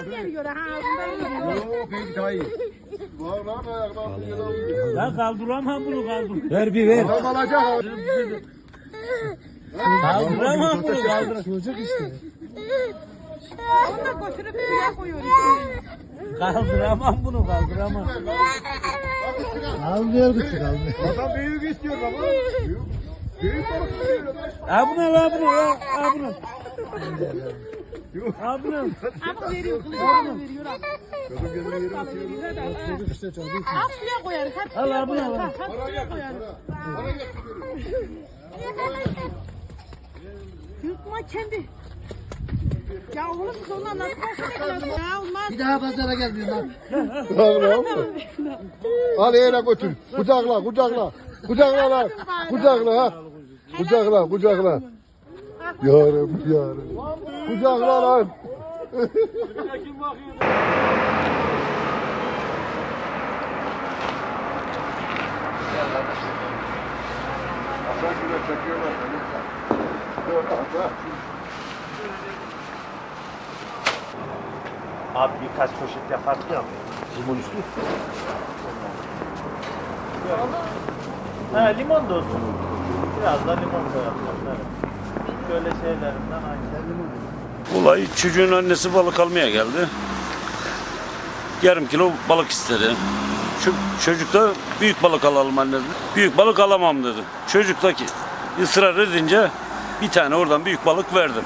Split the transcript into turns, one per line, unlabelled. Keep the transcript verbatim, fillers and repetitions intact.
Gaz veriyor ha ağzında.
Yok peki daha iyi.
Var lan ayakta bir yere alıyor.
Ya kaldıramam bunu kaldır.
Ver bir ver.
Adam alacak abi.
Kaldıramam bunu kaldır.
Çocuk işte.
Onu da götürüp suya koyuyor işte.
Kaldıramam bunu kaldıramam.
Almıyor küçük almıyor.
Adam büyük istiyor baba. Büyük. Büyük balık istiyor.
Ha bunu ha bunu ha ha bunu. Ha bunu.
Ama veriyor kılıcını veriyor abi.
Kadın kendine yere
Balığı
atıyor.
bize de. ha.
Çocuk işte çocuk.
Ha suya koyarız. Hep
Al
suya
abi,
koyarız.
al.
ha, Hep suya koyarız.
Para getiriyor.
Yutma kendi. Ya oğlum biz ondan nasıl bahsedeceğiz? Ya olmaz.
Bir daha pazara gelmiyor lan.
Tamam. Al eğne götür. Kucakla, kucakla. Kucakla lan. Kucakla ha. Kucakla, kucakla. Yarım, yarım. Kucakla lan. Hasan şuraya çekiyorlar.
Abi birkaç poşet yapardık ya. Limon üstü. Ha limon da olsun. Biraz da limon koyalım. Evet. Böyle şeylerinden aynı.
Olay çocuğun annesi balık almaya geldi. Yarım kilo balık istedi. Şu çocuk da büyük balık alalım anne dedi. Büyük balık alamam dedi. Çocuk da ki ısrar edince bir tane oradan büyük balık verdim.